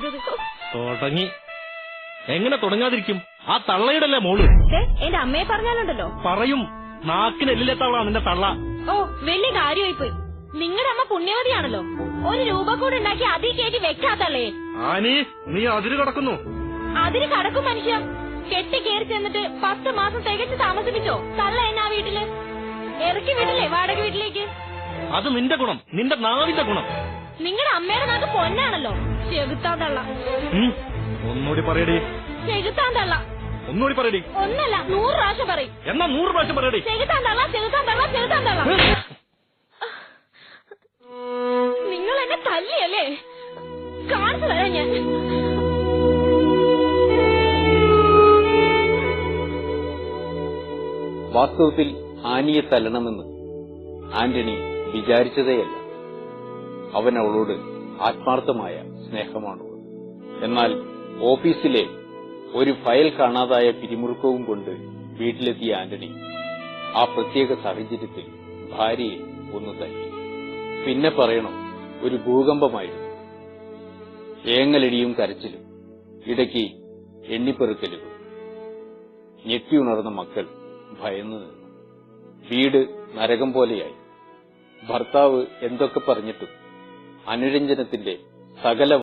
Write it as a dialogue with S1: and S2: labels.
S1: ചെയ്തത്.
S2: തുടങ്ങി. എങ്ങനെ തുടങ്ങാതിരിക്കും? ആ തള്ളയുടല്ലേ മോള്.
S1: എന്റെ അമ്മയെ പറഞ്ഞാലുണ്ടല്ലോ.
S2: പറയും. നാക്കിനെല്ലിലെത്തവളാ നിന്റെ തള്ള.
S1: ഓ, വലിയ കാര്യമായി പോയി. നിങ്ങളുടെ അമ്മ പുണ്യവതിയാണല്ലോ. 1 രൂപ കൂടെ ഉണ്ടാക്കി അതിൽ കയറ്റി വെക്കാത്തള്ളേ.
S2: ആനി, നീ അതിര് കടക്കുന്നു.
S1: അതിന് കടക്കും മനുഷ്യ. കെട്ടി കയറി ചെന്നിട്ട് 10 മാസം തികച്ച് താമസിപ്പിച്ചോ തള്ള എന്നാ വീട്ടില്? ഇറക്കി വിടില്ലേ വാടക വീട്ടിലേക്ക്?
S2: അത് നിന്റെ ഗുണം, നിന്റെ നാവിന്റെ ഗുണം.
S1: നിങ്ങളുടെ അമ്മയുടെ നാക്ക് പൊന്നാണല്ലോ. ചെകുത്താൻ തള്ള.
S2: ഒന്നുകൂടി പറയടി.
S1: ചെകുത്താൻ തള്ള.
S2: ഒന്നുകൂടി പറയടി.
S1: ഒന്നല്ല 100 പ്രാവശ്യം പറയും.
S2: എന്നാ 100 പ്രാവശ്യം പറയടി.
S1: ചെകുത്താൻ തള്ള, ചെകുത്താൻ തള്ള, ചെകുത്താൻ തള്ള. നിങ്ങൾ എന്നെ തല്ലിയല്ലേ? കാണിച്ചു തരാം ഞാൻ.
S3: വാസ്തവത്തിൽ ആനിയെ തല്ലണമെന്ന് ആന്റണി വിചാരിച്ചതേയല്ല. അവൻ അവളോട് ആത്മാർത്ഥമായ സ്നേഹമാണുള്ളത്. എന്നാൽ ഓഫീസിലെ ഒരു ഫയൽ കാണാതായ പിരിമുറുക്കവും കൊണ്ട് വീട്ടിലെത്തിയ ആന്റണി ആ പ്രത്യേക സാഹചര്യത്തിൽ ഭാര്യയെ ഒന്ന് തല്ലി. പിന്നെ പറയണോ, ഒരു ഭൂകമ്പമായിരുന്നു. ഏങ്ങലടിയും കരച്ചിലും, ഇടയ്ക്ക് എണ്ണിപ്പെറുക്കലുകൾ. ഞെട്ടിയുണർന്ന മക്കൾ ഭയന്നു നിന്നു. വീട് നരകം പോലെയായി. ഭർത്താവ് എന്തൊക്കെ പറഞ്ഞിട്ടും അനുരഞ്ജനത്തിന്റെ സകല